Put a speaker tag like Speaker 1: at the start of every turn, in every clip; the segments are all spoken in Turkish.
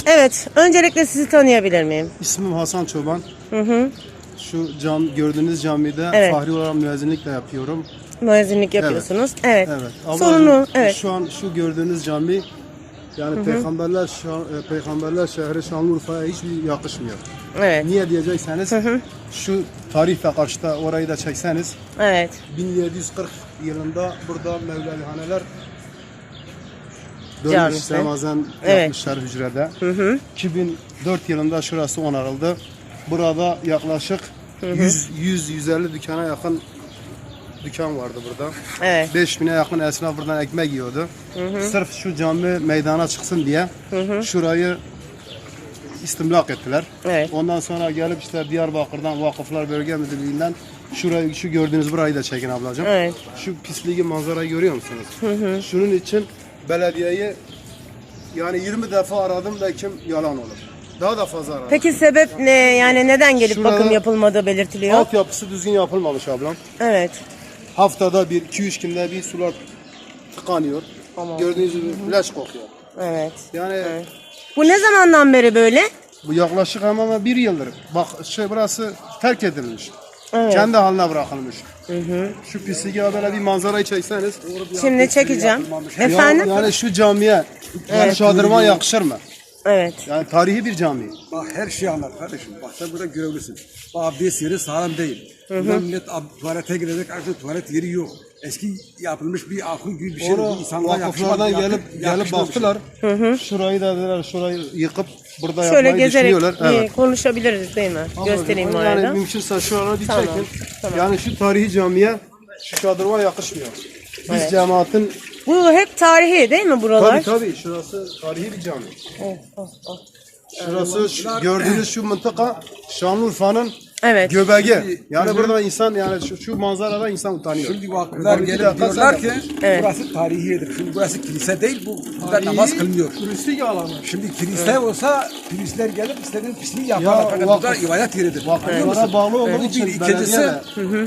Speaker 1: Evet, öncelikle sizi tanıyabilir miyim?
Speaker 2: İsmim Hasan Çoban.
Speaker 1: Hı hı.
Speaker 2: Şu gördüğünüz camide
Speaker 1: Evet.
Speaker 2: fahri olarak müezzinlikle yapıyorum.
Speaker 1: Müezzinlik yapıyorsunuz. Evet.
Speaker 2: Evet. Ablacığım,
Speaker 1: Sorunu, evet.
Speaker 2: Şu an şu gördüğünüz cami yani peygamberler şehri Şanlıurfa'ya hiçbir yakışmıyor.
Speaker 1: Evet.
Speaker 2: Niye diyecekseniz şu tarihle karşıda orayı da çekseniz
Speaker 1: Evet.
Speaker 2: 1740 yılında burada Mevlalihaneler
Speaker 1: Camisi.
Speaker 2: Ramazan
Speaker 1: Evet.
Speaker 2: yapmışlar hücrede. 2004 yılında şurası onarıldı. Burada yaklaşık 100-150 dükkana yakın dükkan vardı burada.
Speaker 1: Evet.
Speaker 2: 5000'e yakın esnaf buradan ekmek yiyordu. Sırf şu cami meydana çıksın diye şurayı istimlak ettiler.
Speaker 1: Evet.
Speaker 2: Ondan sonra gelip işte Diyarbakır'dan Vakıflar Bölge Müdürlüğü'nden şurayı, şu gördüğünüz burayı da çekin ablacığım.
Speaker 1: Evet.
Speaker 2: Şu pisliği manzarayı görüyor musunuz? Şunun için belediyeyi yani 20 defa aradım da kim yalan olur. Daha da fazla aradım.
Speaker 1: Peki sebep ne? Yani neden gelip
Speaker 2: Şurada
Speaker 1: bakım yapılmadığı belirtiliyor?
Speaker 2: Altyapısı düzgün yapılmamış ablam.
Speaker 1: Evet.
Speaker 2: Haftada bir, 2-3 günde bir sular tıkanıyor.
Speaker 1: Tamam.
Speaker 2: Gördüğünüz gibi leş kokuyor.
Speaker 1: Evet.
Speaker 2: Yani
Speaker 1: Bu ne zamandan beri böyle?
Speaker 2: bu yaklaşık hemen bir yıldır. Bak burası terk edilmiş.
Speaker 1: Evet.
Speaker 2: Kendi haline bırakılmış. Şu pisliği böyle bir manzarayı çekseniz.
Speaker 1: Şimdi çekeceğim. Efendim?
Speaker 2: Yani şu camiye yani şadırvan yakışır mı?
Speaker 1: Evet.
Speaker 2: Yani tarihi bir cami.
Speaker 3: Bak her şeyi anlat kardeşim. Bak sen burada görevlisin. Bak abdest yeri sağlam değil. Buradan millet tuvalete girecek artık tuvalet yeri yok. Eski yapılmış bir akıl gibi bir şey.
Speaker 2: Onu
Speaker 3: İnsanlara
Speaker 2: vakıflardan gelip
Speaker 3: yakışmamış.
Speaker 2: baktılar. Şurayı da dediler, şurayı yıkıp burada
Speaker 1: Şöyle
Speaker 2: yapmayı
Speaker 1: gezerek
Speaker 2: düşünüyorlar. Evet.
Speaker 1: konuşabiliriz değil mi? Göstereyim bu
Speaker 2: Yani
Speaker 1: arada.
Speaker 2: mümkünse şu an bir
Speaker 1: Tamam,
Speaker 2: çekin.
Speaker 1: tamam.
Speaker 2: Yani şu tarihi camiye şu şadırvan yakışmıyor. Biz cemaatin
Speaker 1: Bu hep tarihi değil mi buralar?
Speaker 2: tabii şurası tarihi bir cami.
Speaker 1: Oh, oh, oh.
Speaker 2: Şurası gördüğünüz şu mıntıka Şanlıurfa'nın
Speaker 1: Evet.
Speaker 2: göbeği. Yani burada insan yani şu manzarada insan utanıyor.
Speaker 3: Şimdi vakıflar
Speaker 2: Bir
Speaker 3: gelip
Speaker 2: dakika,
Speaker 3: diyorlar
Speaker 2: sen
Speaker 3: ki
Speaker 1: Evet.
Speaker 3: burası tarihidir. Şimdi burası kilise değil, burada namaz kılınıyor.
Speaker 2: Turistik alanı.
Speaker 3: Şimdi kilise olsa turistler gelip istediğin pisliği yaparlar. Fakat burada
Speaker 2: vakıf-
Speaker 3: ibadet yeridir.
Speaker 2: vakıflara
Speaker 3: Anlıyor musun?
Speaker 2: bağlı olduğu
Speaker 3: Bu
Speaker 2: için
Speaker 3: bir. İkincisi,
Speaker 2: belediye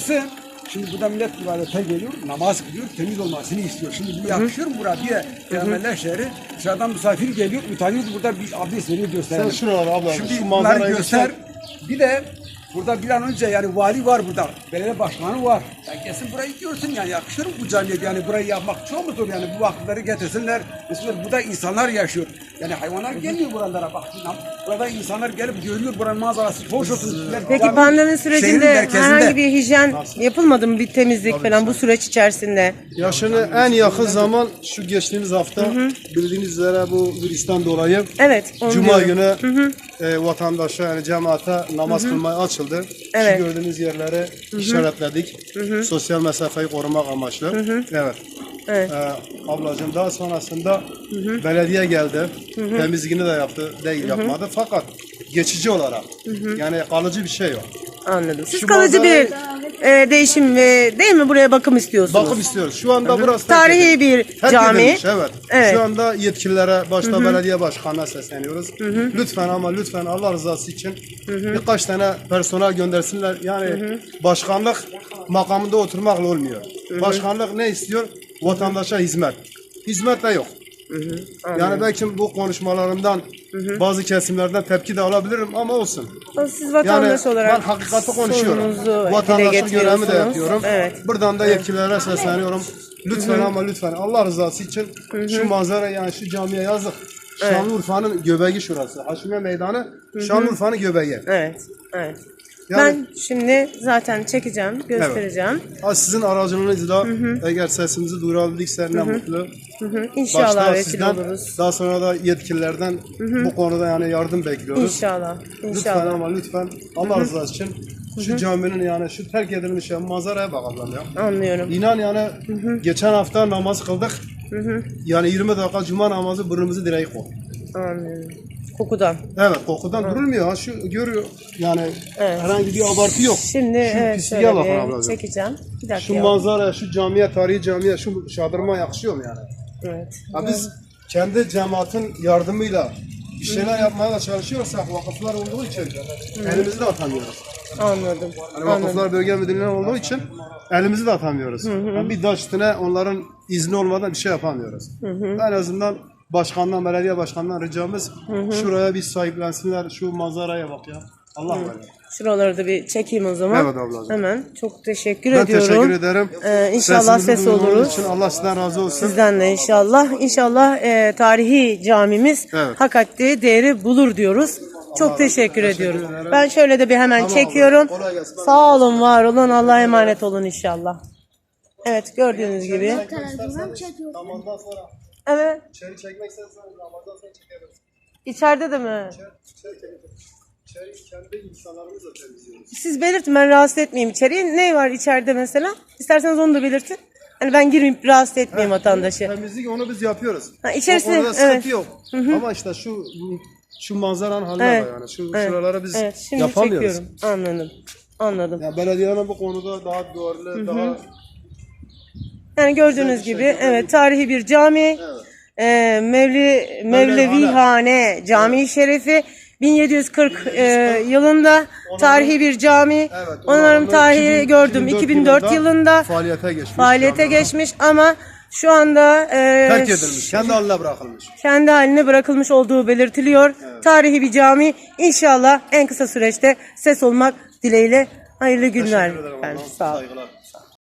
Speaker 3: şimdi burada millet ibadete geliyor, namaz kılıyor, temiz olmasını istiyor. Şimdi bu yakışıyor mu buraya? Peygamberler şehri, dışarıdan misafir geliyor, utanıyoruz burada bir abdest veriyor gösterelim.
Speaker 2: Sen şuraları abla,
Speaker 3: Şimdi
Speaker 2: şu
Speaker 3: bunları
Speaker 2: manzarayı
Speaker 3: göster. Bir de burada bir an önce yani vali var burada, belediye başkanı var. Yani kesin burayı görsün yani yakışır mı bu camiye? Yani burayı yapmak çok mu zor yani bu vakıfları getirsinler. Mesela burada insanlar yaşıyor. Yani hayvanlar gelmiyor buralara bak. Burada insanlar gelip görüyor buranın manzarası hoş olsun.
Speaker 1: Peki
Speaker 3: Yani
Speaker 1: pandemi
Speaker 3: şehrin
Speaker 1: sürecinde
Speaker 3: merkezinde.
Speaker 1: herhangi bir hijyen yapılmadı mı? Bir temizlik falan bu süreç içerisinde?
Speaker 2: Ya şimdi en yakın zaman şu geçtiğimiz hafta bildiğiniz üzere bu virüsten dolayı
Speaker 1: Evet. onu
Speaker 2: Cuma
Speaker 1: diyorum.
Speaker 2: günü vatandaşa yani cemaate namaz kılmaya açıldı.
Speaker 1: Evet.
Speaker 2: Şu gördüğünüz yerleri işaretledik. Sosyal mesafeyi korumak amaçlı. Evet.
Speaker 1: Evet.
Speaker 2: Ablacığım daha sonrasında belediye geldi. Temizliğini de yaptı. Değil yapmadı. Fakat geçici olarak yani kalıcı bir şey yok.
Speaker 1: Anladım. Siz
Speaker 2: Şu
Speaker 1: kalıcı bir
Speaker 2: manzarayı-
Speaker 1: değişim değil mi? Buraya bakım istiyorsunuz.
Speaker 2: Bakım istiyoruz. Şu anda burası
Speaker 1: Tarihi bir
Speaker 2: terk
Speaker 1: cami.
Speaker 2: edilmiş, evet.
Speaker 1: Evet.
Speaker 2: Şu anda yetkililere, başta belediye başkanına sesleniyoruz. Lütfen ama lütfen Allah rızası için birkaç tane personel göndersinler. Yani başkanlık makamında oturmakla olmuyor. Başkanlık ne istiyor? Vatandaşa hizmet. Hizmet de yok. Yani belki bu konuşmalarımdan bazı kesimlerden tepki de alabilirim ama olsun.
Speaker 1: Siz
Speaker 2: Yani
Speaker 1: vatandaş olarak
Speaker 2: ben hakikati konuşuyorum.
Speaker 1: sorununuzu dile
Speaker 2: Vatandaşın görevimi de
Speaker 1: getiriyorsunuz.
Speaker 2: yapıyorum.
Speaker 1: Evet.
Speaker 2: Buradan da yetkililere sesleniyorum. Lütfen ama lütfen Allah rızası için şu manzara yani şu camiye yazık. Şanlıurfa'nın göbeği şurası. Haşmiye Meydanı Şanlıurfa'nın göbeği.
Speaker 1: Evet. Evet.
Speaker 2: Yani-
Speaker 1: Ben şimdi zaten çekeceğim, göstereceğim.
Speaker 2: Sizin aracılığınızla eğer sesimizi duyurabildikse ne mutlu.
Speaker 1: İnşallah
Speaker 2: Başta
Speaker 1: vesile
Speaker 2: sizden,
Speaker 1: oluruz.
Speaker 2: daha sonra da yetkililerden bu konuda yani yardım bekliyoruz.
Speaker 1: İnşallah.
Speaker 2: Lütfen
Speaker 1: İnşallah.
Speaker 2: ama lütfen Allah rızası için şu caminin yani şu terk edilmiş manzaraya bak ablam ya.
Speaker 1: Anlıyorum.
Speaker 2: İnan yani geçen hafta namaz kıldık. Yani 20 dakika cuma namazı burnumuzu direği koy.
Speaker 1: Anlıyorum. Kokudan.
Speaker 2: Evet kokudan durulmuyor ha şu görüyor yani herhangi bir abartı yok.
Speaker 1: Şimdi
Speaker 2: şu
Speaker 1: evet
Speaker 2: pisliğe
Speaker 1: şöyle
Speaker 2: bakın
Speaker 1: bir
Speaker 2: ablacığım.
Speaker 1: çekeceğim. Bir dakika.
Speaker 2: Şu manzara, şu camiye, tarihi camiye, şu şadırma yakışıyor mu yani?
Speaker 1: Evet.
Speaker 2: Ha biz kendi cemaatin yardımıyla bir şeyler yapmaya da çalışıyorsak vakıflar olduğu için elimizi de atamıyoruz.
Speaker 1: Anladım.
Speaker 2: Hani vakıflar bölge müdürlüğü olduğu için elimizi de atamıyoruz. Yani bir daş üstüne onların izni olmadan bir şey yapamıyoruz. En azından başkandan, belediye başkanından ricamız şuraya bir sahiplensinler. Şu manzaraya bak ya. Allah var.
Speaker 1: Şuraları da bir çekeyim o zaman.
Speaker 2: Evet ablacığım.
Speaker 1: Hemen. Çok teşekkür
Speaker 2: Ben
Speaker 1: ediyorum.
Speaker 2: teşekkür ederim.
Speaker 1: İnşallah
Speaker 2: Sesimizi
Speaker 1: ses
Speaker 2: duyduğunuz
Speaker 1: oluruz.
Speaker 2: için Allah sizden razı olsun.
Speaker 1: Sizden de inşallah. İnşallah tarihi camimiz
Speaker 2: Evet.
Speaker 1: hak ettiği değeri bulur diyoruz. Çok teşekkür ediyoruz.
Speaker 2: ederim.
Speaker 1: Ben şöyle de bir hemen
Speaker 2: Tamam
Speaker 1: çekiyorum.
Speaker 2: abla, kolay gelsin.
Speaker 1: Sağ olun, var olun. Allah'a emanet olun inşallah. Evet, gördüğünüz gibi.
Speaker 2: Namazdan sonra
Speaker 1: Evet.
Speaker 2: içeri çekmek istersen namazdan sonra çekeriz.
Speaker 1: İçeride de mi?
Speaker 2: İçeri kendi insanlarımızla temizliyoruz.
Speaker 1: Siz belirtin, ben rahatsız etmeyeyim içeriye. Ne var içeride mesela? İsterseniz onu da belirtin. Hani ben girmeyip rahatsız etmeyeyim vatandaşı.
Speaker 2: Temizlik onu biz yapıyoruz.
Speaker 1: Ha, içerisi,
Speaker 2: O konuda sıkıntı
Speaker 1: evet.
Speaker 2: yok. Ama işte şu manzaranın haline
Speaker 1: Evet.
Speaker 2: bak yani.
Speaker 1: Evet.
Speaker 2: Şuraları biz
Speaker 1: Evet, şimdi
Speaker 2: yapamıyoruz.
Speaker 1: çekiyorum. Anladım. Anladım.
Speaker 2: Yani belediyenin bu konuda daha duyarlı, daha
Speaker 1: Yani gördüğünüz gibi evet, tarihi bir cami. Mevlevihane Camii Şerefi 1740 yılında tarihi bir cami.
Speaker 2: Evet,
Speaker 1: Onların tarihi gördüm 2004 yılında
Speaker 2: faaliyete geçmiş.
Speaker 1: ama şu anda
Speaker 2: Terk edilmiş. Kendi haline bırakılmış.
Speaker 1: kendi haline bırakılmış olduğu belirtiliyor. Tarihi bir cami. İnşallah en kısa süreçte ses olmak dileğiyle hayırlı günler.
Speaker 2: Teşekkür ederim.
Speaker 1: efendim.
Speaker 2: Allah'ım,
Speaker 1: Sağ olun.
Speaker 2: saygılar.